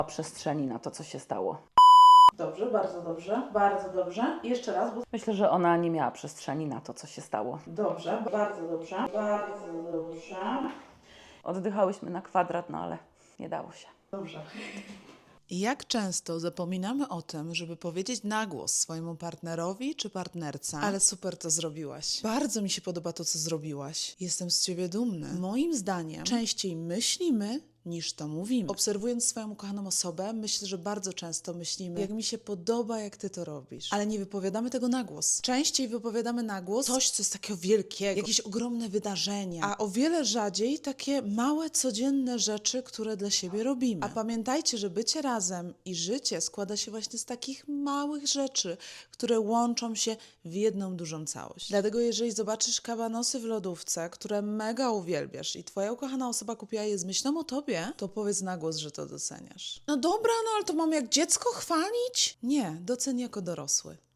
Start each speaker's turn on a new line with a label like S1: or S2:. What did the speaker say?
S1: przestrzeni na to, co się stało.
S2: Dobrze, bardzo dobrze, bardzo dobrze. I jeszcze raz, bo...
S1: Myślę, że ona nie miała przestrzeni na to, co się stało.
S2: Dobrze, bardzo dobrze, bardzo dobrze.
S1: Oddychałyśmy na kwadrat, no ale nie dało się.
S2: Dobrze.
S3: Jak często zapominamy o tym, żeby powiedzieć na głos swojemu partnerowi czy partnerce, ale super to zrobiłaś. Bardzo mi się podoba to, co zrobiłaś. Jestem z ciebie dumny. Moim zdaniem częściej myślimy, niż to mówimy. Obserwując swoją ukochaną osobę, myślę, że bardzo często myślimy, jak mi się podoba, jak ty to robisz. Ale nie wypowiadamy tego na głos. Częściej wypowiadamy na głos coś, co jest takiego wielkiego, jakieś ogromne wydarzenia, a o wiele rzadziej takie małe, codzienne rzeczy, które dla siebie robimy. A pamiętajcie, że bycie razem i życie składa się właśnie z takich małych rzeczy, które łączą się w jedną dużą całość. Dlatego jeżeli zobaczysz kabanosy w lodówce, które mega uwielbiasz i twoja ukochana osoba kupiła je z myślą o tobie, to powiedz na głos, że to doceniasz. No dobra, no ale to mam jak dziecko chwalić? Nie, doceń jako dorosły.